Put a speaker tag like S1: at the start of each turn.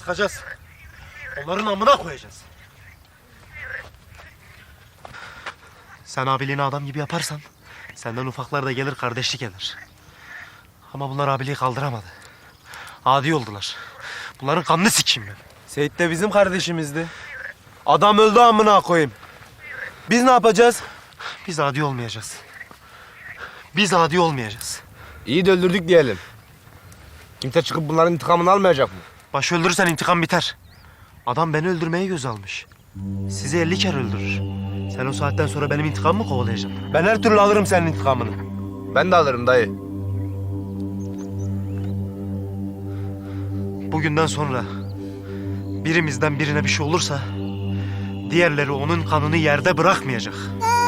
S1: sıkacağız. Onların amına koyacağız. Sen abiliğini adam gibi yaparsan senden ufaklar da gelir, kardeşlik eder. Ama bunlar abiliği kaldıramadı. Adi oldular. Bunların kanını sikeyim ben.
S2: Seyit de bizim kardeşimizdi. Adam öldü amına koyayım. Biz ne yapacağız?
S1: Biz adi olmayacağız. Biz adi olmayacağız.
S3: İyi de öldürdük diyelim. Kimse çıkıp bunların intikamını almayacak mı?
S1: Başı öldürürsen intikam biter. Adam beni öldürmeye göz almış. Sizi 50 kere öldürür. Sen o saatten sonra benim intikamımı mı kovalayacaksın?
S2: Ben her türlü alırım senin intikamını.
S3: Ben de alırım dayı.
S1: Bugünden sonra birimizden birine bir şey olursa diğerleri onun kanını yerde bırakmayacak.